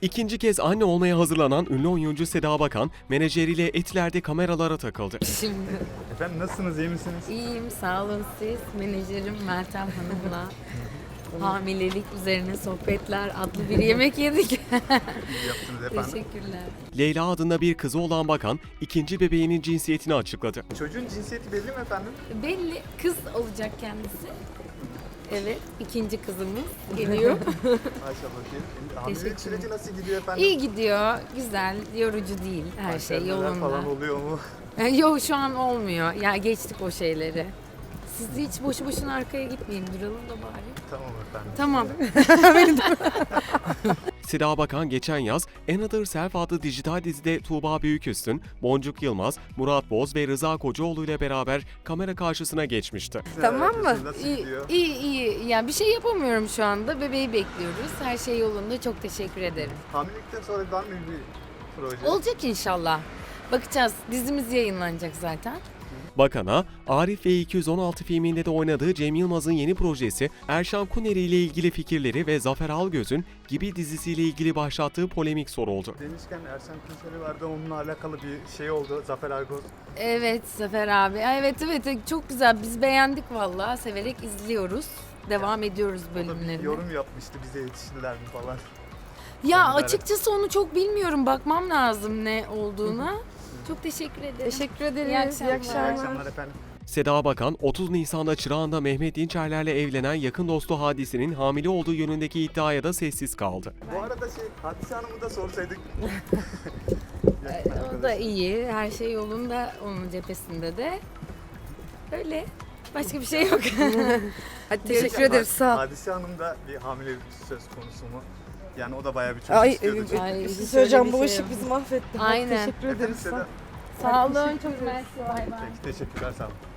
İkinci kez anne olmaya hazırlanan ünlü oyuncu Seda Bakan, menajeriyle Etiler'de kameralara takıldı. Şimdi Efendim nasılsınız, iyi misiniz? iyiyim, sağ olun siz. Menajerim Meltem Hanım'la hamilelik üzerine sohbetler adlı bir yemek yedik. İyi yaptınız efendim. Teşekkürler. Leyla adında bir kızı olan Bakan, ikinci bebeğinin cinsiyetini açıkladı. Çocuğun cinsiyeti belli mi efendim? Belli kız olacak kendisi. Evet, ikinci kızımız geliyor. Maşallah diyelim. Hamilelik Teşekkürler. süreci nasıl gidiyor efendim? İyi gidiyor, güzel, yorucu değil, her şey Kanserler yolunda. falan oluyor mu? Yok şu an olmuyor. Ya geçtik o şeyleri. Siz de hiç boşu boşuna arkaya gitmeyin, duralım da bari. Tamam efendim. Tamam. Seda Bakan geçen yaz Another Self adlı dijital dizide Tuğba Büyüküstün, Boncuk Yılmaz, Murat Boz ve Rıza Kocaoğlu ile beraber kamera karşısına geçmişti. Tamam mı? Nasıl İyi, gidiyor? iyi. Ya bir şey yapamıyorum şu anda. Bebeği bekliyoruz. Her şey yolunda. Çok teşekkür ederim. Hamilelikten sonra var mı bir proje? Olacak inşallah. Bakacağız. Dizimiz yayınlanacak zaten. Bakan'a, Arif ve 216 filminde de oynadığı Cem Yılmaz'ın yeni projesi Erşan Kuneri ile ilgili fikirleri ve Zafer Algöz'ün Gibi dizisiyle ilgili başlattığı polemik soruldu. Demişken Erşan Kuneri vardı, onunla alakalı bir şey oldu. Zafer Algöz. Evet Zafer abi. Evet çok güzel. Biz beğendik vallahi. Severek izliyoruz. Devam ediyoruz O da bir bölümlerine. yorum yapmıştı, bize yetiştiler mi falan. Ya Konular. açıkçası onu çok bilmiyorum. Bakmam lazım ne olduğuna. Çok teşekkür ederim. Teşekkür ederiz. İyi akşamlar. İyi akşamlar efendim. Seda Bakan, 30 Nisan'da Çırağan'da Mehmet Dinçerler'le evlenen yakın dostu Hadise'nin hamile olduğu yönündeki iddiaya da sessiz kaldı. Bu arada Hadise Hanım'ı da sorsaydık. O da iyi. Her şey yolunda onun cephesinde de. Öyle. Başka bir şey yok. Hadi teşekkür ederiz. Sağ ol. Hadise Hanım da bir hamilelik söz konusu mu? Yani o da bayağı bir çocuk Ay, istiyordu. evet, çünkü. Ay, bir hiç şey söyleyeceğim. öyle bir Bu şey ışık bizi mahvetti. Hadi Aynen. teşekkür Efendim ederiz. Seda. Sağ olun. Çok mersi. Bay bay. Peki, teşekkürler, sağ olun.